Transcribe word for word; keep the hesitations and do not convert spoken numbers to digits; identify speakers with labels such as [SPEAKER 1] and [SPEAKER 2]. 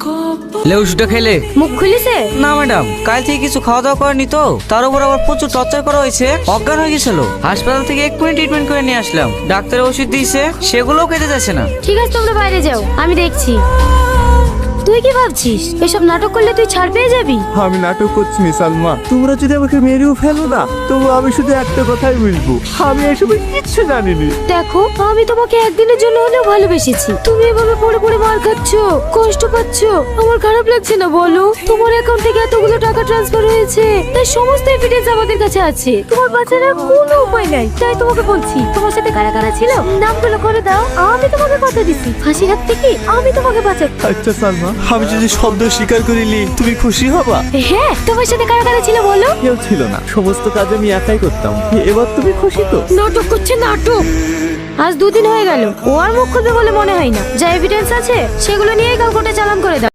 [SPEAKER 1] লে ওষুধটা খেলে
[SPEAKER 2] মুখ খুলিছে?
[SPEAKER 1] না ম্যাডাম, কাল থেকে কিছু খাওয়া দাওয়া করেনি তো, তার উপর আবার প্রচুর টর্চার করা হয়েছে, অজ্ঞান হয়ে গেছিল। হাসপাতাল থেকে এক মিনিট ট্রিটমেন্ট করে নিয়ে আসলাম, ডাক্তার ওষুধ দিয়েছে, সেগুলোও খেতে যাচ্ছে না।
[SPEAKER 2] ঠিক আছে, তোমরা বাইরে যাও, আমি দেখছি। তুই কি ভাবছিস এসব নাটক করলে তুই ছাড় পেয়ে যাবি?
[SPEAKER 3] আমি নাটক করছি না সালমা, তোমরা যদি আমাকে মেরেও ফেলো না, তবু আমি শুধু একটা কথাই বলবো, আমি এসবের কিচ্ছু জানিনি।
[SPEAKER 2] দেখো, আমি তোমাকে একদিনের জন্য হলেও ভালোবেসেছি, তুমি এভাবে পড়ে পড়ে মার খাচ্ছ, কষ্ট পাচ্ছ, আমার খারাপ লাগছে না বলো? তোমার অ্যাকাউন্ট থেকে এতগুলো টাকা ট্রান্সফার হয়েছে, তার সমস্ত এভিডেন্স আমাদের কাছে আছে, তোমার বাঁচার আর কোনো উপায় নাই। তাই তোমাকে বলছি, তোমার সাথে কারা কারা ছিল নামগুলো করে দাও, আমি তোমাকে কথা দিচ্ছি, ফাঁসির হাত থেকে আমি তোমাকে বাঁচাবো।
[SPEAKER 3] আচ্ছা সালমা, আমি যদি শব্দ স্বীকার করিলি তুমি খুশি হবা?
[SPEAKER 2] হ্যাঁ, তোমার সাথে কারা কারা ছিল বলো?
[SPEAKER 3] কেউ ছিল না, সমস্ত কাজ আমি একাই করতাম। এবার তুমি খুশি তো?
[SPEAKER 2] নাটক করছে নাটক। আজ দুদিন হয়ে গেল, ও আর মুখ খুলবে বলে মনে হয় না। যা এভিডেন্স আছে সেগুলো নিয়ে কাল কোর্টে চালান করে দাও।